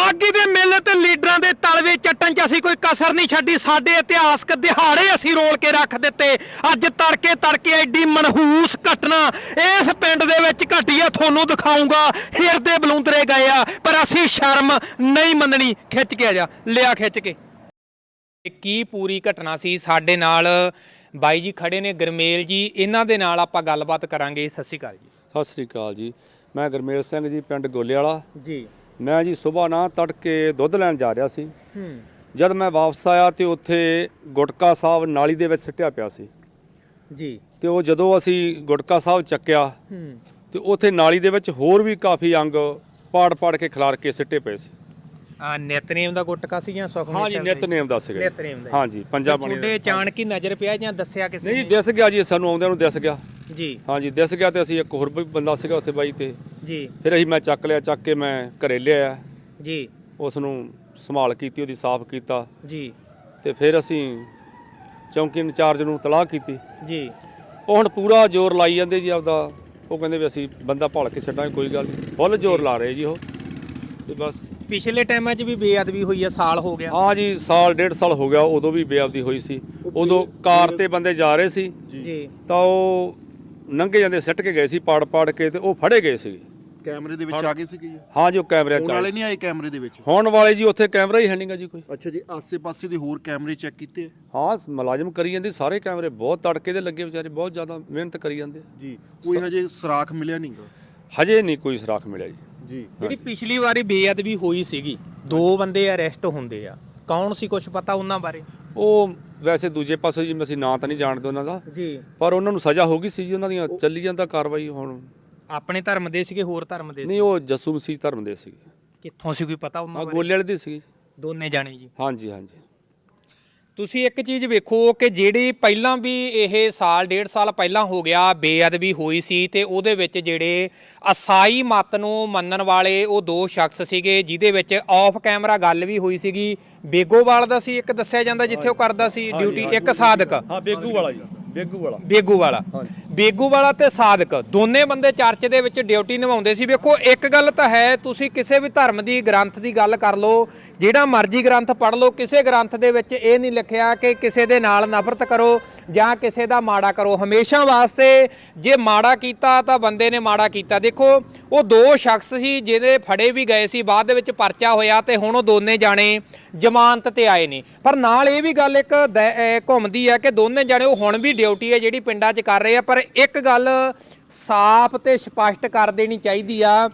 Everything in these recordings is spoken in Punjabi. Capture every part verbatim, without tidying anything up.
ਮਾਗੀ ਦੇ ਮੇਲੇ ਤੇ ਲੀਡਰਾਂ ਦੇ ਤਲਵੇ ਚੱਟਣ 'ਚ ਅਸੀਂ ਕੋਈ ਕਸਰ ਨਹੀਂ ਛੱਡੀ। ਸਾਡੇ ਇਤਿਹਾਸਕ ਦਿਹਾੜੇ ਅਸੀਂ ਰੋਲ ਕੇ ਰੱਖ ਦਿੱਤੇ। ਅੱਜ ਤੜਕੇ ਤੜਕੇ ਐਡੀ ਮਨਹੂਸ ਘਟਨਾ ਇਸ ਪਿੰਡ ਦੇ ਵਿੱਚ ਘਟੀ ਆ, ਤੁਹਾਨੂੰ ਦਿਖਾਊਂਗਾ। ਹਿਰਦੇ ਬਲੂੰਦਰੇ ਗਏ ਆ, ਪਰ ਅਸੀਂ ਸ਼ਰਮ ਨਹੀਂ ਮੰਨਣੀ। ਖਿੱਚ ਕੇ ਆ ਜਾ, ਲਿਆ ਖਿੱਚ ਕੇ। ਕੀ ਪੂਰੀ ਘਟਨਾ ਸੀ? ਸਾਡੇ ਨਾਲ ਬਾਈ ਜੀ ਖੜੇ ਨੇ, ਗਰਮੇਲ ਜੀ, ਇਹਨਾਂ ਦੇ ਨਾਲ ਆਪਾਂ ਗੱਲਬਾਤ ਕਰਾਂਗੇ। ਸਤਿ ਸ਼੍ਰੀ ਅਕਾਲ ਜੀ। ਸਤਿ ਸ਼੍ਰੀ ਅਕਾਲ ਜੀ। ਮੈਂ ਗਰਮੇਲ ਸਿੰਘ ਜੀ, ਪਿੰਡ ਗੋਲੇ ਵਾਲਾ ਜੀ। ਮੈਂ ਜੀ ਸੁਬਾਹ ਨਾ ਤੜਕੇ ਦੁੱਧ ਲੈਣ ਜਾ ਰਿਹਾ ਸੀ। ਜਦ ਮੈਂ ਵਾਪਸ ਆਇਆ ਤੇ ਉੱਥੇ ਗੁਟਕਾ ਸਾਹਿਬ ਨਾਲੀ ਦੇ ਵਿੱਚ ਸਿੱਟਿਆ ਪਿਆ ਸੀ ਜੀ। ਤੇ ਉਹ ਜਦੋਂ ਅਸੀਂ ਗੁਟਕਾ ਸਾਹਿਬ ਚੱਕਿਆ ਤੇ ਉੱਥੇ ਨਾਲੀ ਦੇ ਵਿੱਚ ਹੋਰ ਵੀ ਕਾਫੀ ਅੰਗ ਪਾੜ ਪਾੜ ਕੇ ਖਿਲਾਰ ਕੇ ਸਿੱਟੇ ਪਏ ਸੀ। ਆ ਨਿਤਨੇਮ ਦਾ ਗੁਟਕਾ ਸੀ ਜਾਂ ਸੁਖਮਨੀ? ਹਾਂ ਜੀ, ਨਿਤਨੇਮ ਦਾ ਸੀਗਾ। ਨਿਤਨੇਮ ਦਾ। ਹਾਂ ਜੀ, ਪੰਜਾ ਬਣੀ। ਤੁਹਾਡੇ ਅਚਾਨਕ ਹੀ ਨਜ਼ਰ ਪਿਆ ਜਾਂ ਦੱਸਿਆ ਕਿਸੇ ਨੇ? ਨਹੀਂ, ਦਿਸ ਗਿਆ ਜੀ, ਸਾਨੂੰ ਆਉਂਦਿਆਂ ਨੂੰ ਦਿਸ ਗਿਆ ਜੀ। ਹਾਂ ਜੀ, ਦਿਸ ਗਿਆ ਤੇ ਅਸੀਂ ਇੱਕ ਹੋਰ ਵੀ ਬੰਦਾ ਸੀਗਾ ਉੱਥੇ ਬਾਈ ਤੇ ਜੀ। ਫਿਰ ਫਿਰ ਅਸੀਂ ਮੈਂ ਚੱਕ ਲਿਆ, ਚੱਕ ਕੇ ਮੈਂ ਘਰੇ ਲਿਆਇਆ ਜੀ। ਉਸ ਨੂੰ ਸੰਭਾਲ ਕੀਤੀ, ਉਹਦੀ ਸਾਫ਼ ਕੀਤਾ ਜੀ। ਤੇ ਫਿਰ ਅਸੀਂ ਚੌਂਕੀ ਇੰਚਾਰਜ ਨੂੰ ਤਲਾਹ ਕੀਤੀ ਜੀ। ਉਹ ਹੁਣ ਪੂਰਾ ਜ਼ੋਰ ਲਾਈ ਜਾਂਦੇ ਜੀ ਆਪਦਾ। ਉਹ ਕਹਿੰਦੇ ਵੀ ਅਸੀਂ ਬੰਦਾ ਭਾਲ ਕੇ ਛੱਡਾਂਗੇ, ਕੋਈ ਗੱਲ ਨਹੀਂ। ਫੁੱਲ ਜ਼ੋਰ ਲਾ ਰਹੇ ਜੀ ਉਹ। ਤੇ ਬਸ ਪਿਛਲੇ ਟਾਈਮਾਂ 'ਚ ਵੀ ਬੇਅਦਬੀ ਹੋਈ ਆ, ਸਾਲ ਹੋ ਗਿਆ। ਹਾਂ ਜੀ, ਸਾਲ ਡੇਢ ਸਾਲ ਹੋ ਗਿਆ। ਉਦੋਂ ਵੀ ਬੇਅਦਬੀ ਹੋਈ ਸੀ। ਉਦੋਂ ਕਾਰ ਤੇ ਬੰਦੇ ਜਾ ਰਹੇ ਸੀ ਜੀ, ਤਾਂ ਉਹ ਲੰਘੇ ਜਾਂਦੇ ਸਿੱਟ ਕੇ ਗਏ ਸੀ ਪਾੜ ਪਾੜ ਕੇ, ਤੇ ਉਹ ਫੜੇ ਗਏ ਸੀ। ਕੈਮਰੇ ਦੇ ਵਿੱਚ ਆ ਗਏ ਸੀਗੇ ਜੀ? ਹਾਂ ਜੀ, ਉਹ ਕੈਮਰੇ ਚ ਵਾਲੇ ਨਹੀਂ ਆਏ ਕੈਮਰੇ ਦੇ ਵਿੱਚ? ਹੋਣ ਵਾਲੇ ਜੀ, ਉੱਥੇ ਕੈਮਰਾ ਹੀ ਹੈ ਨਹੀਂਗਾ ਜੀ ਕੋਈ। ਅੱਛਾ ਜੀ, ਆਸੇ-ਪਾਸੇ ਦੇ ਹੋਰ ਕੈਮਰੇ ਚੈੱਕ ਕੀਤੇ? ਹਾਂ, ਮੁਲਾਜ਼ਮ ਕਰੀ ਜਾਂਦੇ ਸਾਰੇ ਕੈਮਰੇ, ਬਹੁਤ ਤੜਕੇ ਦੇ ਲੱਗੇ ਵਿਚਾਰੇ, ਬਹੁਤ ਜ਼ਿਆਦਾ ਮਿਹਨਤ ਕਰੀ ਜਾਂਦੇ ਜੀ। ਕੋਈ ਹਜੇ ਸੁਰਾਖ ਮਿਲਿਆ ਨਹੀਂਗਾ? ਹਜੇ ਨਹੀਂ ਕੋਈ ਸੁਰਾਖ ਮਿਲਿਆ ਜੀ। ਜੀ। ਜਿਹੜੀ ਪਿਛਲੀ ਵਾਰੀ ਬੇਅਦਬੀ ਹੋਈ ਸੀਗੀ, ਦੋ ਬੰਦੇ ਅਰੈਸਟ ਹੁੰਦੇ ਆ, ਕੌਣ ਸੀ? ਕੁਝ ਪਤਾ ਉਹਨਾਂ ਬਾਰੇ? ਉਹ ਵੈਸੇ ਦੂਜੇ ਪਾਸੇ ਜੀ ਅਸੀਂ ਨਾਂ ਤਾਂ ਨਹੀਂ ਜਾਣਦੇ ਉਹਨਾਂ ਦਾ ਜੀ, ਪਰ ਉਹਨਾਂ ਨੂੰ ਸਜ਼ਾ ਹੋ ਗਈ ਸੀ ਜੀ। ਉਹਨਾਂ ਦੀਆਂ ਚੱਲੀ ਜਾਂਦਾ ਕਾਰਵਾਈ। ਹੁਣ ਆਪਣੇ ਧਰਮ ਦੇ ਸੀਗੇ, ਹੋਰ ਧਰਮ ਦੇ ਸੀ? ਨਹੀਂ, ਉਹ ਜੱਸੂ ਮਸੀਹ ਧਰਮ ਦੇ ਸੀਗੇ। ਕਿੱਥੋਂ ਸੀ, ਕੋਈ ਪਤਾ ਉਹਨਾਂ ਬਾਰੇ? ਗੋਲੇ ਵਾਲੇ ਦੇ ਸੀਗੇ ਦੋਨੇ ਜਾਣੇ ਜੀ। ਹਾਂਜੀ ਹਾਂਜੀ। ਤੁਸੀਂ ਇੱਕ ਚੀਜ਼ ਵੇਖੋ ਕਿ ਜਿਹੜੀ ਪਹਿਲਾਂ ਵੀ ਇਹ ਸਾਲ ਡੇਢ ਸਾਲ ਪਹਿਲਾਂ ਹੋ ਗਿਆ ਬੇਅਦਬੀ ਹੋਈ ਸੀ, ਤੇ ਉਹਦੇ ਵਿੱਚ ਜਿਹੜੇ ਅਸਾਈ ਮਤ ਨੂੰ ਮੰਨਣ ਵਾਲੇ ਉਹ ਦੋ ਸ਼ਖਸ ਸੀਗੇ, ਜਿਹਦੇ ਵਿੱਚ ਆਫ ਕੈਮਰਾ ਗੱਲ ਵੀ ਹੋਈ ਸੀਗੀ। ਬੇਗੋਵਾਲ ਦਾ ਸੀ ਇੱਕ ਦੱਸਿਆ ਜਾਂਦਾ, ਜਿੱਥੇ ਉਹ ਕਰਦਾ ਸੀ ਡਿਊਟੀ, ਇੱਕ ਸਾਦਕ। ਹਾਂ, ਬੇਗੂ ਵਾਲਾ ਜੀ, ਬੇਗੂ ਵਾਲਾ ਬੇਗੂ ਵਾਲਾ ਬੇਗੂ ਵਾਲਾ ਤੇ ਸਾਦਕ ਦੋਨੇ ਬੰਦੇ ਚਰਚ ਦੇ ਵਿੱਚ ਡਿਊਟੀ ਨਿਭਾਉਂਦੇ ਸੀ। ਵੇਖੋ, ਇੱਕ ਗੱਲ ਤਾਂ ਹੈ, ਤੁਸੀਂ ਕਿਸੇ ਵੀ ਧਰਮ ਦੀ ਗ੍ਰੰਥ ਦੀ ਗੱਲ ਕਰ ਲਓ, ਜਿਹੜਾ ਮਰਜ਼ੀ ਗ੍ਰੰਥ ਪੜ੍ਹ ਲਓ, ਕਿਸੇ ਗ੍ਰੰਥ ਦੇ ਵਿੱਚ ਇਹ ਨਹੀਂ ਲਿਖਿਆ ਕਿ ਕਿਸੇ ਦੇ ਨਾਲ ਨਫ਼ਰਤ ਕਰੋ ਜਾਂ ਕਿਸੇ ਦਾ ਮਾੜਾ ਕਰੋ। ਹਮੇਸ਼ਾ ਵਾਸਤੇ ਜੇ ਮਾੜਾ ਕੀਤਾ ਤਾਂ ਬੰਦੇ ਨੇ ਮਾੜਾ ਕੀਤਾ। ਦੇਖੋ, ਉਹ ਦੋ ਸ਼ਖਸ ਸੀ ਜਿਹਦੇ ਫੜੇ ਵੀ ਗਏ ਸੀ, ਬਾਅਦ ਦੇ ਵਿੱਚ ਪਰਚਾ ਹੋਇਆ ਤੇ ਹੁਣ ਉਹ ਦੋਨੇ ਜਾਣੇ ਜ਼ਮਾਨਤ ਤੇ ਆਏ ਨੇ। ਪਰ ਨਾਲ ਇਹ ਵੀ ਗੱਲ ਇੱਕ ਘੁੰਮਦੀ ਹੈ ਕਿ ਦੋਨੇ ਜਾਣੇ ਉਹ ਹੁਣ ਵੀ ਡਿਊਟੀ ਹੈ ਜਿਹੜੀ ਪਿੰਡਾਂ 'ਚ ਕਰ ਰਹੇ ਆ। ਪਰ ਇੱਕ ਗੱਲ ਸਾਫ਼ ਤੇ ਸਪਸ਼ਟ ਕਰ ਦੇਣੀ ਚਾਹੀਦੀ ਆ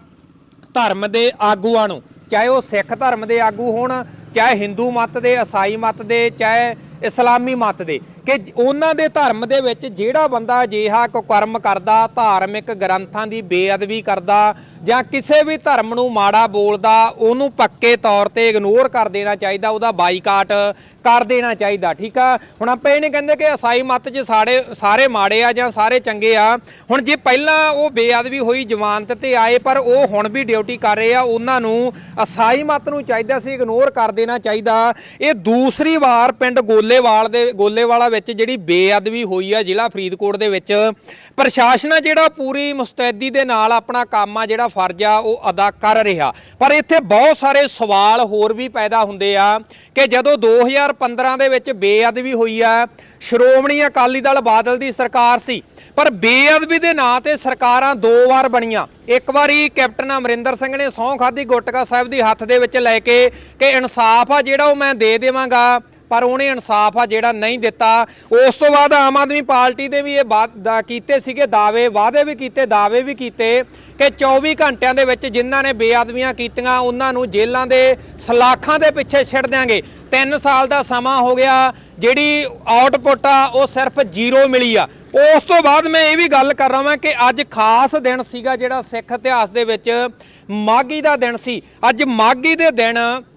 ਧਰਮ ਦੇ ਆਗੂਆਂ ਨੂੰ, ਚਾਹੇ ਉਹ ਸਿੱਖ ਧਰਮ ਦੇ ਆਗੂ ਹੋਣ, ਚਾਹੇ ਹਿੰਦੂ ਮਤ ਦੇ, ਈਸਾਈ ਮਤ ਦੇ, ਚਾਹੇ ਇਸਲਾਮੀ ਮਤ ਦੇ, ਕਿ ਉਹਨਾਂ ਦੇ ਧਰਮ ਦੇ ਵਿੱਚ ਜਿਹੜਾ ਬੰਦਾ ਅਜਿਹਾ ਕੁਕਰਮ ਕਰਦਾ, ਧਾਰਮਿਕ ਗ੍ਰੰਥਾਂ ਦੀ ਬੇਅਦਬੀ ਕਰਦਾ ਜਾਂ ਕਿਸੇ ਵੀ ਧਰਮ ਨੂੰ ਮਾੜਾ ਬੋਲਦਾ, ਉਹਨੂੰ ਪੱਕੇ ਤੌਰ ਤੇ ਇਗਨੋਰ ਕਰ ਦੇਣਾ ਚਾਹੀਦਾ, ਉਹਦਾ ਬਾਈਕਾਟ ਕਰ ਦੇਣਾ ਚਾਹੀਦਾ। ਠੀਕ ਆ। ਹੁਣ ਆਪਾਂ ਇਹ ਨਹੀਂ ਕਹਿੰਦੇ ਕਿ ਈਸਾਈ ਮਤ 'ਚ ਸਾਡੇ ਸਾਰੇ ਮਾੜੇ ਆ ਜਾਂ ਸਾਰੇ ਚੰਗੇ ਆ। ਹੁਣ ਜੇ ਪਹਿਲਾਂ ਉਹ ਬੇਅਦਬੀ ਹੋਈ, ਜ਼ਮਾਨਤ ਤੇ ਆਏ, ਪਰ ਉਹ ਹੁਣ ਵੀ ਡਿਊਟੀ ਕਰ ਰਹੇ ਆ, ਉਹਨਾਂ ਨੂੰ ਈਸਾਈ ਮਤ ਨੂੰ ਚਾਹੀਦਾ ਸੀ ਇਗਨੋਰ ਕਰ ਦੇਣਾ ਚਾਹੀਦਾ। ਇਹ ਦੂਸਰੀ ਵਾਰ ਪਿੰਡ ਗੋਲੇਵਾਲ ਦੇ ਗੋਲੇਵਾਲਾ ਵਿੱਚ ਜਿਹੜੀ ਬੇਅਦਬੀ ਹੋਈ ਆ ਜ਼ਿਲ੍ਹਾ ਫਰੀਦਕੋਟ ਦੇ ਵਿੱਚ। ਪ੍ਰਸ਼ਾਸਨ ਜਿਹੜਾ ਪੂਰੀ ਮੁਸਤੈਦੀ ਦੇ ਨਾਲ ਆਪਣਾ ਕੰਮ ਆ, ਜਿਹੜਾ ਫਰਜ਼ ਆ, ਉਹ ਅਦਾ ਕਰ ਰਿਹਾ। ਪਰ ਇੱਥੇ ਬਹੁਤ ਸਾਰੇ ਸਵਾਲ ਹੋਰ ਵੀ ਪੈਦਾ ਹੁੰਦੇ ਆ ਕਿ ਜਦੋਂ ਦੋ ਹਜ਼ਾਰ ਪੰਦਰਾਂ ਦੇ ਵਿੱਚ ਬੇਅਦਬੀ ਹੋਈ ਆ, ਸ਼੍ਰੋਮਣੀ ਅਕਾਲੀ ਦਲ ਬਾਦਲ ਦੀ ਸਰਕਾਰ ਸੀ, ਪਰ ਬੇਅਦਬੀ ਦੇ ਨਾਂ ਤੇ ਸਰਕਾਰਾਂ ਦੋ ਵਾਰ ਬਣੀਆਂ। ਇੱਕ ਵਾਰੀ ਕੈਪਟਨ ਅਮਰਿੰਦਰ ਸਿੰਘ ਨੇ ਸਹੁੰ ਖਾਧੀ ਗੁਟਕਾ ਸਾਹਿਬ ਦੀ ਹੱਥ ਦੇ ਵਿੱਚ ਲੈ ਕੇ ਕਿ ਇਨਸਾਫ ਆ ਜਿਹੜਾ ਉਹ ਮੈਂ ਦੇ ਦੇਵਾਂਗਾ, ਪਰ ਉਹਨੇ ਇਨਸਾਫ ਆ ਜਿਹੜਾ ਨਹੀਂ ਦਿੱਤਾ। ਉਸ ਤੋਂ ਬਾਅਦ ਆਮ ਆਦਮੀ ਪਾਰਟੀ ਦੇ ਵੀ ਇਹ ਕੀਤੇ ਸੀਗੇ ਦਾਅਵੇ, ਵਾਅਦੇ ਵੀ ਕੀਤੇ, ਦਾਅਵੇ ਵੀ ਕੀਤੇ ਕਿ ਚੌਵੀ ਘੰਟਿਆਂ ਦੇ ਵਿੱਚ ਜਿਨ੍ਹਾਂ ਨੇ ਬੇਅਦਬੀਆਂ ਕੀਤੀਆਂ ਉਹਨਾਂ ਨੂੰ ਜੇਲ੍ਹਾਂ ਦੇ ਸਲਾਖਾਂ ਦੇ ਪਿੱਛੇ ਛੱਡ ਦਿਆਂਗੇ। ਤਿੰਨ ਸਾਲ ਦਾ ਸਮਾਂ ਹੋ ਗਿਆ, ਜਿਹੜੀ ਆਊਟਪੁੱਟ ਆ ਉਹ ਸਿਰਫ ਜ਼ੀਰੋ ਮਿਲੀ ਆ। ਉਸ ਤੋਂ ਬਾਅਦ ਮੈਂ ਇਹ ਵੀ ਗੱਲ ਕਰ ਰਹਾ ਹਾਂ ਕਿ ਅੱਜ ਖਾਸ ਦਿਨ ਸੀਗਾ ਜਿਹੜਾ ਸਿੱਖ ਇਤਿਹਾਸ ਦੇ ਵਿੱਚ ਮਾਘੀ ਦਾ ਦਿਨ ਸੀ। ਅੱਜ ਮਾਘੀ ਦੇ ਦਿਨ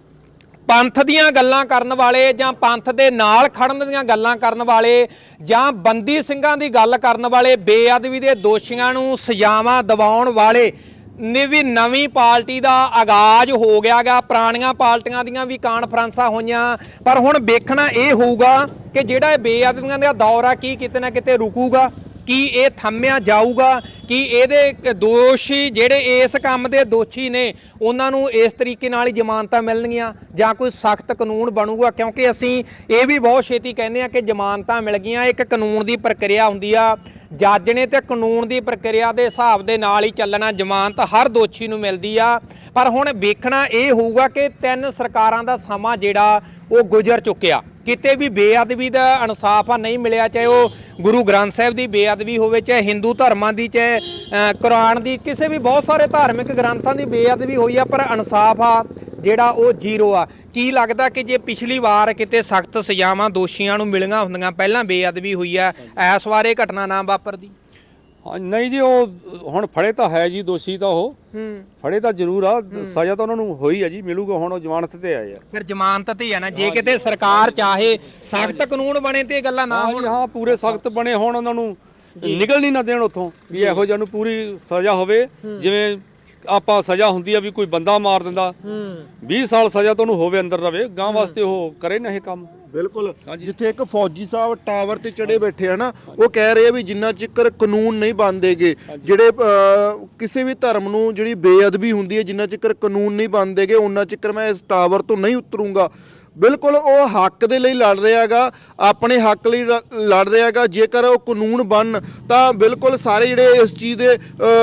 ਪੰਥ ਦੀਆਂ ਗੱਲਾਂ ਕਰਨ ਵਾਲੇ ਜਾਂ ਪੰਥ ਦੇ ਨਾਲ ਖੜਨ ਦੀਆਂ ਗੱਲਾਂ ਕਰਨ ਵਾਲੇ ਜਾਂ ਬੰਦੀ ਸਿੰਘਾਂ ਦੀ ਗੱਲ ਕਰਨ ਵਾਲੇ, ਬੇਅਦਬੀ ਦੇ ਦੋਸ਼ੀਆਂ ਨੂੰ ਸਜ਼ਾਵਾਂ ਦਿਵਾਉਣ ਵਾਲੇ ਨੇ ਵੀ ਨਵੀਂ ਪਾਰਟੀ ਦਾ ਆਗਾਜ਼ ਹੋ ਗਿਆ ਗਾ। ਪੁਰਾਣੀਆਂ ਪਾਰਟੀਆਂ ਦੀਆਂ ਵੀ ਕਾਨਫਰੰਸਾਂ ਹੋਈਆਂ, ਪਰ ਹੁਣ ਵੇਖਣਾ ਇਹ ਹੋਊਗਾ ਕਿ ਜਿਹੜਾ ਇਹ ਬੇਅਦਬੀਆਂ ਦਾ ਦੌਰ ਆ ਕੀ ਕਿਤੇ ਨਾ ਕਿਤੇ ਰੁਕੂਗਾ। ਕੀ ਇਹ ਥੰਮਿਆ ਜਾਊਗਾ ਕਿ ਇਹਦੇ ਦੋਸ਼ੀ ਜਿਹੜੇ ਇਸ ਕੰਮ ਦੇ ਦੋਸ਼ੀ ਨੇ ਉਹਨਾਂ ਨੂੰ ਇਸ ਤਰੀਕੇ ਨਾਲ ਹੀ ਜ਼ਮਾਨਤਾਂ ਮਿਲਣਗੀਆਂ ਜਾਂ ਕੋਈ ਸਖਤ ਕਾਨੂੰਨ ਬਣੂਗਾ? ਕਿਉਂਕਿ ਅਸੀਂ ਇਹ ਵੀ ਬਹੁਤ ਛੇਤੀ ਕਹਿੰਦੇ ਆ ਕਿ ਜ਼ਮਾਨਤਾਂ ਮਿਲ ਗਈਆਂ, ਇੱਕ ਕਾਨੂੰਨ ਦੀ ਪ੍ਰਕਿਰਿਆ ਹੁੰਦੀ ਆ, ਜੱਜ ਨੇ ਤੇ ਕਾਨੂੰਨ ਦੀ ਪ੍ਰਕਿਰਿਆ ਦੇ ਹਿਸਾਬ ਦੇ ਨਾਲ ਹੀ ਚੱਲਣਾ। ਜ਼ਮਾਨਤ ਹਰ ਦੋਸ਼ੀ ਨੂੰ ਮਿਲਦੀ ਆ, ਪਰ ਹੁਣ ਵੇਖਣਾ ਇਹ ਹੋਊਗਾ ਕਿ ਤਿੰਨ ਸਰਕਾਰਾਂ ਦਾ ਸਮਾਂ ਜਿਹੜਾ ਉਹ ਗੁਜ਼ਰ ਚੁੱਕਿਆ, ਕਿਤੇ ਵੀ ਬੇਅਦਬੀ ਦਾ ਇਨਸਾਫ ਆ ਨਹੀਂ ਮਿਲਿਆ, ਚਾਹੇ ਉਹ ਗੁਰੂ ਗ੍ਰੰਥ ਸਾਹਿਬ ਦੀ ਬੇਅਦਬੀ ਹੋਵੇ, ਚਾਹੇ ਹਿੰਦੂ ਧਰਮਾਂ ਦੀ, ਚਾਹੇ ਕੁਰਾਨ ਦੀ, ਕਿਸੇ ਵੀ ਬਹੁਤ ਸਾਰੇ ਧਾਰਮਿਕ ਗ੍ਰੰਥਾਂ ਦੀ ਬੇਅਦਬੀ ਹੋਈ ਆ, ਪਰ ਇਨਸਾਫ ਆ ਜਿਹੜਾ ਉਹ ਜ਼ੀਰੋ ਆ। ਕੀ ਲੱਗਦਾ ਕਿ ਜੇ ਪਿਛਲੀ ਵਾਰ ਕਿਤੇ ਸਖਤ ਸਜ਼ਾਵਾਂ ਦੋਸ਼ੀਆਂ ਨੂੰ ਮਿਲੀਆਂ ਹੁੰਦੀਆਂ, ਪਹਿਲਾਂ ਬੇਅਦਬੀ ਹੋਈ ਆ, ਇਸ ਵਾਰ ਇਹ ਘਟਨਾ ਨਾ ਵਾਪਰਦੀ? ਹਾਂ ਨਹੀਂ ਜੀ, ਉਹ ਹੁਣ ਫੜੇ ਤਾਂ ਹੈ ਜੀ, ਦੋਸ਼ੀ ਤਾਂ ਉਹ ਫੜੇ ਤਾਂ ਜ਼ਰੂਰ ਆ, ਸਜ਼ਾ ਤਾਂ ਉਹਨਾਂ ਨੂੰ ਹੋਈ ਆ ਜੀ, ਮਿਲੂਗਾ। ਹੁਣ ਉਹ ਜ਼ਮਾਨਤ ਤੇ ਆਏ ਆ, ਫਿਰ ਜ਼ਮਾਨਤ ਤੇ ਆ ਨਾ। ਜੇ ਕਿਤੇ ਸਰਕਾਰ ਚਾਹੇ ਸਖਤ ਕਾਨੂੰਨ ਬਣੇ ਤੇ ਇਹ ਗੱਲਾਂ ਨਾ ਹੋਣ। ਹਾਂ ਪੂਰੇ ਸਖਤ ਬਣੇ ਹੋਣ, ਉਹਨਾਂ ਨੂੰ ਨਿਕਲ ਨਹੀਂ ਨਾ ਦੇਣ ਉੱਥੋਂ, ਵੀ ਇਹੋ ਜਿਹਾ ਨੂੰ ਪੂਰੀ ਸਜ਼ਾ ਹੋਵੇ। ਜਿਵੇਂ ਆਪਾਂ ਸਜ਼ਾ ਹੁੰਦੀ ਆ ਵੀ ਕੋਈ ਬੰਦਾ ਮਾਰ ਦਿੰਦਾ, ਵੀਹ ਸਾਲ ਸਜ਼ਾ ਤਾਂ ਉਹਨੂੰ ਹੋਵੇ, ਅੰਦਰ ਰਵੇ, ਗਾਂ ਵਾਸਤੇ ਉਹ ਕਰੇ ਨਾ ਇਹ ਕੰਮ। ਬਿਲਕੁਲ। ਜਿੱਥੇ ਇੱਕ ਫੌਜੀ ਸਾਹਿਬ ਟਾਵਰ ਤੇ ਚੜੇ ਬੈਠੇ ਆ ਨਾ, ਉਹ ਕਹਿ ਰਹੇ ਆ ਵੀ ਜਿੰਨਾ ਚਿਕਰ ਕਾਨੂੰਨ ਨਹੀਂ ਬਣਦੇਗੇ, ਜਿਹੜੇ ਕਿਸੇ ਵੀ ਧਰਮ ਨੂੰ ਜਿਹੜੀ ਬੇਅਦਬੀ ਹੁੰਦੀ ਹੈ, ਜਿੰਨਾ ਚਿਕਰ ਕਾਨੂੰਨ ਨਹੀਂ ਬਣਦੇਗੇ ਉਹਨਾਂ ਚਿਕਰ ਮੈਂ ਇਸ ਟਾਵਰ ਤੋਂ ਨਹੀਂ ਉਤਰੂੰਗਾ। ਬਿਲਕੁਲ ਉਹ ਹੱਕ ਦੇ ਲਈ ਲੜ ਰਿਹਾ ਹੈਗਾ, ਆਪਣੇ ਹੱਕ ਲਈ ਲੜ ਰਿਹਾ ਹੈਗਾ। ਜੇਕਰ ਉਹ ਕਾਨੂੰਨ ਬਣ ਤਾਂ ਬਿਲਕੁਲ ਸਾਰੇ ਜਿਹੜੇ ਇਸ ਚੀਜ਼ ਦੇ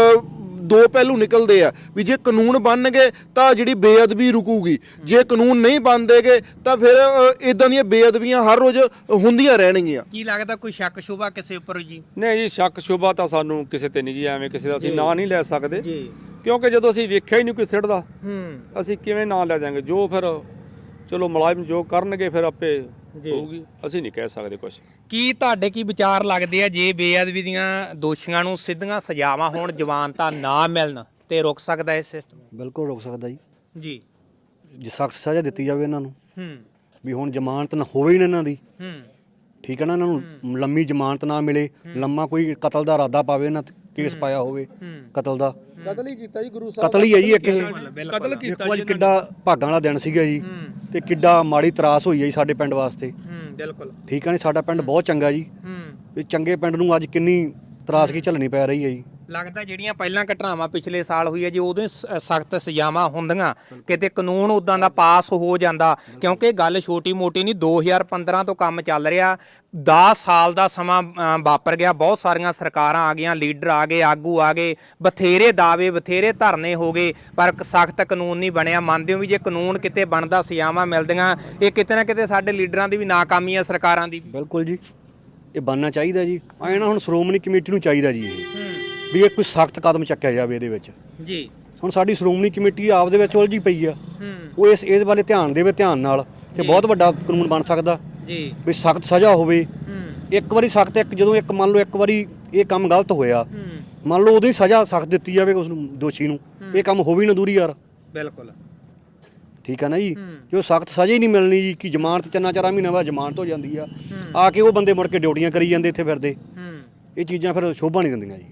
ਦੋ ਪਹਿਲੂ ਨਿਕਲਦੇ ਆ ਵੀ ਜੇ ਕਾਨੂੰਨ ਬਣਨਗੇ ਤਾਂ ਜਿਹੜੀ ਬੇਅਦਬੀ ਰੁਕੂਗੀ, ਜੇ ਕਾਨੂੰਨ ਨਹੀਂ ਬਣਦੇਗੇ ਤਾਂ ਫਿਰ ਇਦਾਂ ਦੀਆਂ ਬੇਅਦਬੀਆਂ ਹਰ ਰੋਜ਼ ਹੁੰਦੀਆਂ ਰਹਿਣਗੀਆਂ। ਕੀ ਲੱਗਦਾ ਕੋਈ ਸ਼ੱਕ ਸ਼ੁਬਾ ਕਿਸੇ ਉੱਪਰ ਜੀ? ਨਹੀਂ ਜੀ, ਸ਼ੱਕ ਸ਼ੁਬਾ ਤਾਂ ਸਾਨੂੰ ਕਿਸੇ ਤੇ ਨਹੀਂ ਜੀ, ਐਵੇਂ ਕਿਸੇ ਦਾ ਅਸੀਂ ਨਾਂ ਨਹੀਂ ਲੈ ਸਕਦੇ, ਕਿਉਂਕਿ ਜਦੋਂ ਅਸੀਂ ਵੇਖਿਆ ਹੀ ਨਹੀਂ ਕੋਈ ਸਿੱਟਦਾ, ਅਸੀਂ ਕਿਵੇਂ ਨਾਂ ਲੈ ਜਾਵਾਂਗੇ? ਜੋ ਫਿਰ ਚਲੋ ਮੁਲਾਜ਼ਮ ਜੋ ਕਰਨਗੇ ਫਿਰ ਆਪੇ ਹੋਊਗੀ, ਅਸੀਂ ਨਹੀਂ ਕਹਿ ਸਕਦੇ ਕੁਝ। ਕੀ ਤੁਹਾਡੇ ਕੀ ਵਿਚਾਰ ਲੱਗਦੇ ਆ ਜੇ ਬੇਅਦਬੀ ਦੀਆਂ ਦੋਸ਼ੀਆਂ ਨੂੰ ਸਿੱਧੀਆਂ ਸਜ਼ਾਵਾਂ ਹੋਣ, ਜ਼ਮਾਨਤਾਂ ਨਾ ਮਿਲਣ, ਤੇ ਰੁਕ ਸਕਦਾ ਇਹ ਸਿਸਟਮ? ਬਿਲਕੁਲ ਰੁਕ ਸਕਦਾ ਜੀ, ਜੀ। ਜੇ ਸਖਤ ਸਜ਼ਾ ਦਿੱਤੀ ਜਾਵੇ ਇਹਨਾਂ ਨੂੰ, ਹੂੰ ਵੀ ਹੁਣ ਜ਼ਮਾਨਤ ਨਾ ਹੋਵੇ ਹੀ ਨਾ ਇਹਨਾਂ ਦੀ, ਹੂੰ ਠੀਕ ਹੈ ਨਾ, ਇਹਨਾਂ ਨੂੰ ਲੰਮੀ ਜ਼ਮਾਨਤ ਨਾ ਮਿਲੇ, ਲੰਮਾ ਕੋਈ ਕਤਲ ਦਾ ਇਰਾਦਾ ਪਾਵੇ, ਇਹਨਾਂ ਤੇ ਕੇਸ ਪਾਇਆ ਹੋਵੇ ਕਤਲ ਦਾ, ਕਤਲ ਹੀ ਕੀਤਾ ਜੀ ਗੁਰੂ ਸਾਹਿਬ, ਕਤਲ ਹੀ ਹੈ ਜੀ ਇੱਕ ਇਹ। ਕਤਲ ਕੀਤਾ ਦੇਖੋ ਅੱਜ ਕਿੱਡਾ ਭਾਗਾਂ ਵਾਲਾ ਦਿਨ ਸੀਗਾ ਜੀ, ਤੇ ਕਿੱਡਾ ਮਾੜੀ ਤਰਾਸ ਹੋਈ ਹੈ ਜੀ ਸਾਡੇ ਪਿੰਡ ਵਾਸਤੇ। ਹੂੰ ਬਿਲਕੁਲ ਠੀਕ ਹੈ ਨੀ, ਸਾਡਾ ਪਿੰਡ ਬਹੁਤ ਚੰਗਾ ਜੀ, ਹੂੰ ਵੀ ਚੰਗੇ ਪਿੰਡ ਨੂੰ ਅੱਜ ਕਿੰਨੀ ਤਰਾਸਗੀ ਝੱਲਣੀ ਪੈ ਰਹੀ ਹੈ ਜੀ। ਲੱਗਦਾ ਜਿਹੜੀਆਂ ਪਹਿਲਾਂ ਘਟਨਾਵਾਂ ਪਿਛਲੇ ਸਾਲ ਹੋਈ ਹੈ ਜੀ, ਉਦੋਂ ਸਖਤ ਸਜ਼ਾਵਾਂ ਹੁੰਦੀਆਂ, ਕਿਤੇ ਕਾਨੂੰਨ ਉਦਾਂ ਦਾ ਪਾਸ ਹੋ ਜਾਂਦਾ, ਕਿਉਂਕਿ ਗੱਲ ਛੋਟੀ ਮੋਟੀ ਨਹੀਂ, ਦੋ ਹਜ਼ਾਰ ਪੰਦਰਾਂ ਤੋਂ ਕੰਮ ਚੱਲ ਰਿਹਾ, ਦਸ ਸਾਲ ਦਾ ਸਮਾਂ ਵਾਪਰ ਗਿਆ, ਬਹੁਤ ਸਾਰੀਆਂ ਸਰਕਾਰਾਂ ਆ ਗਈਆਂ, ਲੀਡਰ ਆ ਗਏ, ਆਗੂ ਆ ਗਏ, ਬਥੇਰੇ ਦਾਅਵੇ, ਬਥੇਰੇ ਧਰਨੇ ਹੋ ਗਏ, ਪਰ ਸਖਤ ਕਾਨੂੰਨ ਨਹੀਂ ਬਣਿਆ। ਮੰਨਦੇ ਹੋ ਵੀ ਜੇ ਕਾਨੂੰਨ ਕਿਤੇ ਬਣਦਾ, ਸਜ਼ਾਵਾਂ ਮਿਲਦੀਆਂ, ਇਹ ਕਿਤੇ ਨਾ ਕਿਤੇ ਸਾਡੇ ਲੀਡਰਾਂ ਦੀ ਵੀ ਨਾਕਾਮੀ ਆ, ਸਰਕਾਰਾਂ ਦੀ? ਬਿਲਕੁਲ ਜੀ, ਇਹ ਬਣਨਾ ਚਾਹੀਦਾ ਜੀ। ਐਂ ਨਾ ਹੁਣ ਸ਼੍ਰੋਮਣੀ ਕਮੇਟੀ ਨੂੰ ਚਾਹੀਦਾ ਜੀ ਇਹ ਵੀ ਇਹ ਕੋਈ ਸਖਤ ਕਦਮ ਚੱਕਿਆ ਜਾਵੇ ਇਹਦੇ ਵਿੱਚ ਜੀ। ਹੁਣ ਸਾਡੀ ਸ਼੍ਰੋਮਣੀ ਕਮੇਟੀ ਆਪ ਦੇ ਵਿੱਚ ਉਲਝੀ ਪਈ ਆ, ਉਹ ਇਸ ਇਸ ਬਾਰੇ ਧਿਆਨ ਦੇਵੇ ਧਿਆਨ ਨਾਲ, ਤੇ ਬਹੁਤ ਵੱਡਾ ਕਾਨੂੰਨ ਬਣ ਸਕਦਾ ਜੀ, ਵੀ ਸਖਤ ਸਜ਼ਾ ਹੋਵੇ। ਇੱਕ ਵਾਰੀ ਸਖਤ, ਇੱਕ ਜਦੋਂ ਇੱਕ ਮੰਨ ਲਓ ਇੱਕ ਵਾਰੀ ਇਹ ਕੰਮ ਗਲਤ ਹੋਇਆ, ਮੰਨ ਲਓ ਉਦੋਂ ਹੀ ਸਜ਼ਾ ਸਖਤ ਦਿੱਤੀ ਜਾਵੇ ਉਸ ਨੂੰ, ਦੋਸ਼ੀ ਨੂੰ, ਇਹ ਕੰਮ ਹੋਵੇ ਨਾ ਦੂਰੀ ਯਾਰ। ਬਿਲਕੁਲ ਠੀਕ ਆ ਨਾ ਜੀ। ਜੋ ਸਖਤ ਸਜ਼ਾ ਹੀ ਨਹੀਂ ਮਿਲਣੀ ਜੀ, ਕਿ ਜ਼ਮਾਨਤ ਤਿੰਨਾਂ ਚਾਰਾਂ ਮਹੀਨਿਆਂ ਬਾਅਦ ਜ਼ਮਾਨਤ ਹੋ ਜਾਂਦੀ ਆ, ਆ ਕੇ ਉਹ ਬੰਦੇ ਮੁੜ ਕੇ ਡਿਊਟੀਆਂ ਕਰੀ ਜਾਂਦੇ ਇੱਥੇ ਫਿਰਦੇ, ਇਹ ਚੀਜ਼ਾਂ ਫਿਰ ਸ਼ੋਭਾ ਨਹੀਂ ਦਿੰਦੀਆਂ ਜੀ।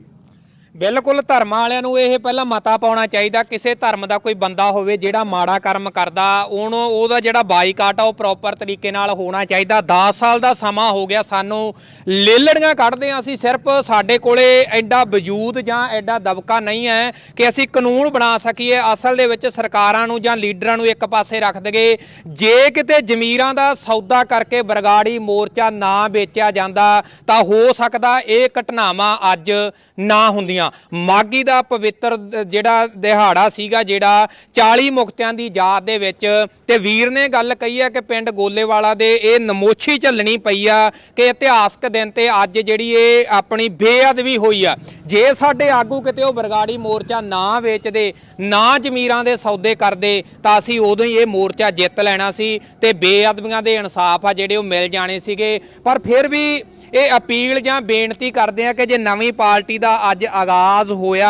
ਬਿਲਕੁਲ ਧਰਮਾਂ ਵਾਲਿਆਂ ਨੂੰ ਇਹ ਪਹਿਲਾਂ ਮਤਾ ਪਾਉਣਾ ਚਾਹੀਦਾ, ਕਿਸੇ ਧਰਮ ਦਾ ਕੋਈ ਬੰਦਾ ਹੋਵੇ ਜਿਹੜਾ ਮਾੜਾ ਕਰਮ ਕਰਦਾ, ਉਹਨੂੰ ਉਹਦਾ ਜਿਹੜਾ ਬਾਈਕਾਟ ਆ ਉਹ ਪ੍ਰੋਪਰ ਤਰੀਕੇ ਨਾਲ ਹੋਣਾ ਚਾਹੀਦਾ। ਦਸ ਸਾਲ ਦਾ ਸਮਾਂ ਹੋ ਗਿਆ ਸਾਨੂੰ ਲੇਲੜੀਆਂ ਕੱਢਦੇ ਆ, ਅਸੀਂ ਸਿਰਫ ਸਾਡੇ ਕੋਲੇ ਐਡਾ ਵਜੂਦ ਜਾਂ ਐਡਾ ਦਬਕਾ ਨਹੀਂ ਹੈ ਕਿ ਅਸੀਂ ਕਾਨੂੰਨ ਬਣਾ ਸਕੀਏ। ਅਸਲ ਦੇ ਵਿੱਚ ਸਰਕਾਰਾਂ ਨੂੰ ਜਾਂ ਲੀਡਰਾਂ ਨੂੰ ਇੱਕ ਪਾਸੇ ਰੱਖ ਦਈਏ। ਜੇ ਕਿਤੇ ਜ਼ਮੀਰਾਂ ਦਾ ਸੌਦਾ ਕਰਕੇ ਬਰਗਾੜੀ ਮੋਰਚਾ ਨਾ ਵੇਚਿਆ ਜਾਂਦਾ ਤਾਂ ਹੋ ਸਕਦਾ ਇਹ ਘਟਨਾਵਾਂ ਅੱਜ ਨਾ ਹੁੰਦੀਆਂ। ਮਾਘੀ ਦਾ ਪਵਿੱਤਰ ਜਿਹੜਾ ਦਿਹਾੜਾ ਸੀਗਾ, ਜਿਹੜਾ ਚਾਲੀ ਮੁਕਤਿਆਂ ਦੀ ਯਾਦ ਦੇ ਵਿੱਚ, ਤੇ ਵੀਰ ਨੇ ਗੱਲ ਕਹੀ ਹੈ ਕਿ ਪਿੰਡ ਗੋਲੇਵਾਲਾ ਦੇ ਇਹ ਨਮੋਸ਼ੀ ਝੱਲਣੀ ਪਈ ਆ ਕਿ ਇਤਿਹਾਸਕ ਦਿਨ ਤੇ ਅੱਜ ਜਿਹੜੀ ਇਹ ਆਪਣੀ ਬੇਅਦਬੀ ਹੋਈ ਆ। ਜੇ ਸਾਡੇ ਆਗੂ ਕਿਤੇ ਉਹ ਬਰਗਾੜੀ ਮੋਰਚਾ ਨਾ ਵੇਚਦੇ, ਨਾ ਜ਼ਮੀਰਾਂ ਦੇ ਸੌਦੇ ਕਰਦੇ, ਤਾਂ ਅਸੀਂ ਉਦੋਂ ਹੀ ਇਹ ਮੋਰਚਾ ਜਿੱਤ ਲੈਣਾ ਸੀ ਤੇ ਬੇਅਦਬੀਆਂ ਦੇ ਇਨਸਾਫ ਆ ਜਿਹੜੇ ਉਹ ਮਿਲ ਜਾਣੇ ਸੀਗੇ। ਪਰ ਫਿਰ ਵੀ ਇਹ ਅਪੀਲ ਜਾਂ ਬੇਨਤੀ ਕਰਦੇ ਆ ਕਿ ਜੇ ਨਵੀਂ ਪਾਰਟੀ ਦਾ ਅੱਜ ਆਗਾਜ਼ ਹੋਇਆਗਾ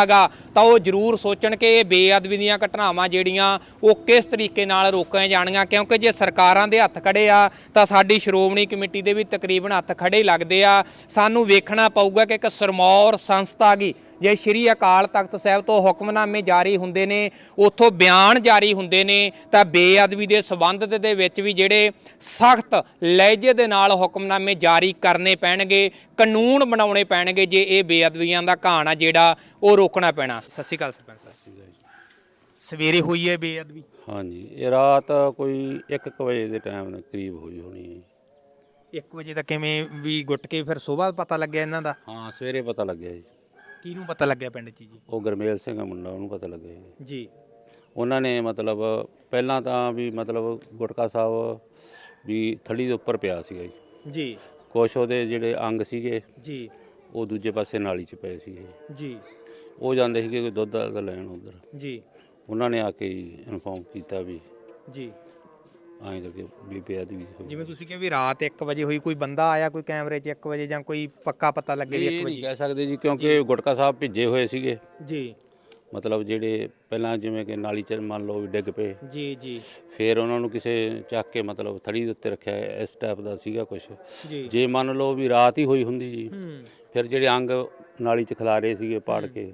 ਤਾਂ ਉਹ ਜ਼ਰੂਰ ਸੋਚਣ ਕਿ ਇਹ ਬੇਅਦਬੀ ਦੀਆਂ ਘਟਨਾਵਾਂ ਜਿਹੜੀਆਂ ਉਹ ਕਿਸ ਤਰੀਕੇ ਨਾਲ ਰੋਕੀਆਂ ਜਾਣੀਆਂ, ਕਿਉਂਕਿ ਜੇ ਸਰਕਾਰਾਂ ਦੇ ਹੱਥ ਖੜੇ ਆ ਤਾਂ ਸਾਡੀ ਸ਼੍ਰੋਮਣੀ ਕਮੇਟੀ ਦੇ ਵੀ ਤਕਰੀਬਨ ਹੱਥ ਖੜੇ ਹੀ ਲੱਗਦੇ ਆ। ਸਾਨੂੰ ਵੇਖਣਾ ਪਊਗਾ ਕਿ ਇੱਕ ਸਰਮੌਰ ਸੰਸਥਾ ਗੀ, ਜੇ ਸ਼੍ਰੀ ਅਕਾਲ ਤਖਤ ਸਾਹਿਬ ਤੋਂ ਹੁਕਮਨਾਮੇ ਜਾਰੀ ਹੁੰਦੇ ਨੇ, ਉੱਥੋਂ ਬਿਆਨ ਜਾਰੀ ਹੁੰਦੇ ਨੇ, ਤਾਂ ਬੇਅਦਬੀ ਦੇ ਸਬੰਧ ਦੇ ਵਿੱਚ ਵੀ ਜਿਹੜੇ ਸਖਤ ਲਹਿਜੇ ਦੇ ਨਾਲ ਹੁਕਮਨਾਮੇ ਜਾਰੀ ਕਰਨੇ ਪੈਣਗੇ, ਕਾਨੂੰਨ ਬਣਾਉਣੇ ਪੈਣਗੇ ਜੇ ਇਹ ਬੇਅਦਬੀਆਂ ਦਾ ਘਾਣ ਆ ਜਿਹੜਾ ਉਹ ਰੋਕਣਾ ਪੈਣਾ। ਸਤਿ ਸ਼੍ਰੀ ਅਕਾਲ ਸਰਪੰਚ ਸਾਹਿਬ। ਸਵੇਰੇ ਹੋਈ ਹੈ ਬੇਅਦਬੀ? ਹਾਂਜੀ, ਇਹ ਰਾਤ ਕੋਈ ਇੱਕ ਕੁ ਵਜੇ ਦੇ ਟਾਈਮ ਦੇ ਕਰੀਬ ਹੋਈ ਹੋਣੀ ਹੈ। ਇੱਕ ਵਜੇ ਤਾਂ ਕਿਵੇਂ ਵੀ ਗੁੱਟ ਕੇ ਫਿਰ ਸੁਬਾਹ ਪਤਾ ਲੱਗਿਆ ਇਹਨਾਂ ਦਾ? ਹਾਂ, ਸਵੇਰੇ ਪਤਾ ਲੱਗਿਆ ਜੀ। ਕਿਹਨੂੰ ਪਤਾ ਲੱਗਿਆ ਪਿੰਡ 'ਚ ਜੀ? ਉਹ ਗੁਰਮੇਲ ਸਿੰਘ ਆ ਮੁੰਡਾ, ਉਹਨੂੰ ਪਤਾ ਲੱਗਿਆ ਜੀ। ਜੀ ਉਹਨਾਂ ਨੇ ਮਤਲਬ ਪਹਿਲਾਂ ਤਾਂ ਵੀ ਮਤਲਬ ਗੁਟਕਾ ਸਾਹਿਬ ਵੀ ਥੜੀ ਦੇ ਉੱਪਰ ਪਿਆ ਸੀਗਾ ਜੀ। ਜੀ ਕੁਛ ਉਹਦੇ ਜਿਹੜੇ ਅੰਗ ਸੀਗੇ ਜੀ ਉਹ ਦੂਜੇ ਪਾਸੇ ਨਾਲੀ 'ਚ ਪਏ ਸੀਗੇ। ਜੀ ਉਹ ਜਾਂਦੇ ਸੀਗੇ ਕੋਈ ਦੁੱਧ ਦਾ ਲੈਣ ਉੱਧਰ। ਜੀ ਉਹਨਾਂ ਨੇ ਆ ਕੇ ਇਨਫੋਰਮ ਕੀਤਾ ਵੀ ਜੀ ਐਂ ਕਰਕੇ ਵੀ ਬੇਅਦਬੀ ਹੋਈ। ਜਿਵੇਂ ਤੁਸੀਂ ਕਿਹਾ ਵੀ ਰਾਤ ਇੱਕ ਵਜੇ ਹੋਈ, ਕੋਈ ਬੰਦਾ ਆਇਆ ਕੋਈ ਕੈਮਰੇ 'ਚ ਇੱਕ ਵਜੇ ਜਾਂ ਕੋਈ ਪੱਕਾ ਪਤਾ ਲੱਗੇ ਵੀ ਇਹ ਇੱਕ ਨਹੀਂ ਵਜੇ? ਕਹਿ ਸਕਦੇ ਜੀ, ਕਿਉਂਕਿ ਗੁਟਕਾ ਸਾਹਿਬ ਭਿੱਜੇ ਹੋਏ ਸੀਗੇ। ਜੀ ਮਤਲਬ ਜਿਹੜੇ ਪਹਿਲਾਂ ਜਿਵੇਂ ਕਿ ਨਾਲੀ 'ਚ ਮੰਨ ਲਓ ਵੀ ਡਿੱਗ ਪਏ, ਜੀ ਜੀ ਫਿਰ ਉਹਨਾਂ ਨੂੰ ਕਿਸੇ ਚੱਕ ਕੇ ਮਤਲਬ ਥੜੀ ਦੇ ਉੱਤੇ ਰੱਖਿਆ, ਇਸ ਟਾਈਪ ਦਾ ਸੀਗਾ ਕੁਝ। ਜੀ ਜੇ ਮੰਨ ਲਓ ਵੀ ਰਾਤ ਹੀ ਹੋਈ ਹੁੰਦੀ ਜੀ, ਹੂੰ ਫਿਰ ਜਿਹੜੇ ਅੰਗ ਨਾਲੀ 'ਚ ਖਿਲਾਰੇ ਸੀਗੇ ਪਾੜ ਕੇ,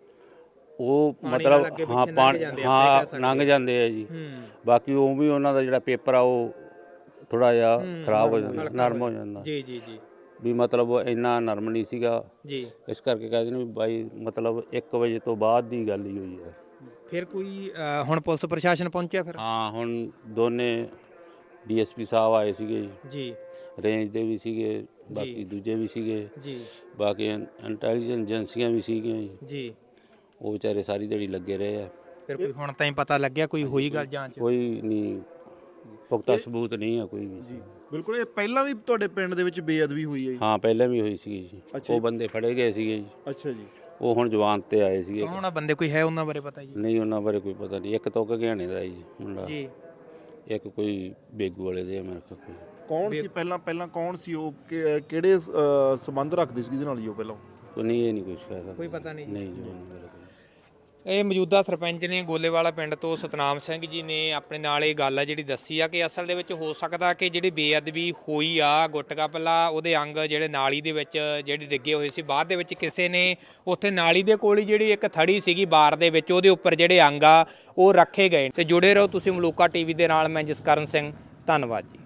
ਉਹ ਪਾਣੀ ਮਤਲਬ ਨਾਲ ਅੱਗੇ ਹਾਂ ਪਿੱਛੇ ਲੰਘ ਪਾਣੀ ਜਾਂਦੇ ਆ, ਆਪਾਂ ਇਹ ਕਹਿ ਹਾਂ ਸਕਦੇ ਲੰਘ ਜਾਂਦੇ ਆ ਜੀ। ਹੂੰ ਬਾਕੀ ਉਹ ਵੀ ਉਹਨਾਂ ਦਾ ਜਿਹੜਾ ਪੇਪਰ ਆ ਉਹ ਥੋੜਾ ਜਿਹਾ ਖਰਾਬ ਹੋ ਜਾਂਦਾ, ਹਲਕਾ ਨਰਮ ਹੋ ਜਾਂਦਾ ਜੀ ਜੀ ਜੀ ਵੀ ਮਤਲਬ ਉਹ ਇੰਨਾ ਨਰਮ ਨਹੀਂ ਸੀਗਾ। ਜੀ ਇਸ ਕਰਕੇ ਕਹਿੰਦੇ ਨੇ ਵੀ ਬਾਈ ਮਤਲਬ ਇੱਕ ਵਜੇ ਤੋਂ ਬਾਅਦ ਦੀ ਗੱਲ ਹੀ ਹੋਈ ਹੈ। ਫਿਰ ਕੋਈ ਅ, ਹੁਣ ਪੁਲਿਸ ਪ੍ਰਸ਼ਾਸਨ ਪਹੁੰਚਿਆ ਫਿਰ? ਹਾਂ, ਹੁਣ ਦੋਨੇ ਡੀਐਸਪੀ ਸਾਹਿਬ ਆਏ ਸੀਗੇ ਜੀ, ਜੀ ਰੇਂਜ ਦੇ ਵੀ ਸੀਗੇ, ਬਾਕੀ ਦੂਜੇ ਵੀ ਸੀਗੇ, ਜੀ ਬਾਕੀ ਇੰਟੈਲੀਜੈਂਸ ਏਜੰਸੀਆਂ ਵੀ ਸੀਗੀਆਂ ਜੀ। ਜੀ ਉਹ ਵਿਚਾਰੇ ਸਾਰੀ ਦਿਹਾੜੀ ਲੱਗੇ ਰਹੇ ਆ। ਫਿਰ ਕੋਈ ਹੁਣ ਤਾਂ ਹੀ ਪਤਾ ਲੱਗਿਆ ਕੋਈ ਹੋਈ ਗੱਲ ਜਾਂਚ? ਕੋਈ ਨਹੀਂ, ਪੁਖਤਾ ਸਬੂਤ ਨਹੀਂ ਆ ਕੋਈ ਵੀ। ਬਿਲਕੁਲ। ਇਹ ਪਹਿਲਾਂ ਵੀ ਤੁਹਾਡੇ ਪਿੰਡ ਦੇ ਵਿੱਚ ਬੇਅਦਬੀ ਹੋਈ ਹੈ ਜੀ? ਹਾਂ, ਪਹਿਲਾਂ ਵੀ ਹੋਈ ਸੀ ਜੀ। ਉਹ ਬੰਦੇ ਫੜੇ ਗਏ ਸੀਗੇ ਜੀ, ਅੱਛਾ ਜੀ। ਉਹ ਹੁਣ ਜਵਾਨ ਤੇ ਆਏ ਸੀਗੇ। ਕੌਣ ਆ ਬੰਦੇ, ਕੋਈ ਹੈ ਉਹਨਾਂ ਬਾਰੇ ਪਤਾ ਜੀ? ਨਹੀਂ, ਉਹਨਾਂ ਬਾਰੇ ਕੋਈ ਪਤਾ ਨਹੀਂ। ਇੱਕ ਤੋਂ ਘਿਆਣੇ ਦਾ ਜੀ ਮੁੰਡਾ, ਜੀ ਇੱਕ ਕੋਈ ਬੇਗੂ ਵਾਲੇ ਦੇ ਆ ਮੇਰੇ ਕੋਲ ਕੋਈ। ਕੌਣ ਸੀ ਪਹਿਲਾਂ ਪਹਿਲਾਂ ਕੌਣ ਸੀ ਉਹ? ਕਿ- ਕਿਹੜੇ ਅ, ਸੰਬੰਧ ਰੱਖਦੇ ਸੀ ਜਿਹਦੇ ਨਾਲ ਜੀ ਉਹ ਪਹਿਲਾਂ? ਕੋਈ ਨਹੀਂ, ਇਹ ਨਹੀਂ ਕੁਝ ਕਹਿ ਸਕਦਾ। ਕੋਈ ਪਤਾ ਨਹੀਂ ਜੀ। ਨਹੀਂ ਜੀ, ਉਹਨਾਂ ਬਾਰੇ ਕੋਈ। ਇਹ ਮੌਜੂਦਾ ਸਰਪੰਚ ਨੇ ਗੋਲੇਵਾਲਾ ਪਿੰਡ ਤੋਂ ਸਤਨਾਮ ਸਿੰਘ ਜੀ ਨੇ ਆਪਣੇ ਨਾਲ ਇਹ ਗੱਲ ਆ ਜਿਹੜੀ ਦੱਸੀ ਆ ਕਿ ਅਸਲ ਦੇ ਵਿੱਚ ਹੋ ਸਕਦਾ ਕਿ ਜਿਹੜੀ ਬੇਅਦਬੀ ਹੋਈ ਆ, ਗੁਟਕਾ ਪਹਿਲਾਂ ਉਹਦੇ ਅੰਗ ਜਿਹੜੇ ਨਾਲੀ ਦੇ ਵਿੱਚ ਜਿਹੜੇ ਡਿੱਗੇ ਹੋਏ ਸੀ, ਬਾਅਦ ਦੇ ਵਿੱਚ ਕਿਸੇ ਨੇ ਉੱਥੇ ਨਾਲੀ ਦੇ ਕੋਲ ਹੀ ਜਿਹੜੀ ਇੱਕ ਥੜੀ ਸੀਗੀ ਬਾਰ ਦੇ ਵਿੱਚ, ਉਹਦੇ ਉੱਪਰ ਜਿਹੜੇ ਅੰਗ ਆ ਉਹ ਰੱਖੇ ਗਏ। ਤੇ ਜੁੜੇ ਰਹੋ ਤੁਸੀਂ ਮਲੂਕਾ ਟੀਵੀ ਦੇ ਨਾਲ। ਮੈਂ ਜਸਕਰਨ ਸਿੰਘ, ਧੰਨਵਾਦ ਜੀ।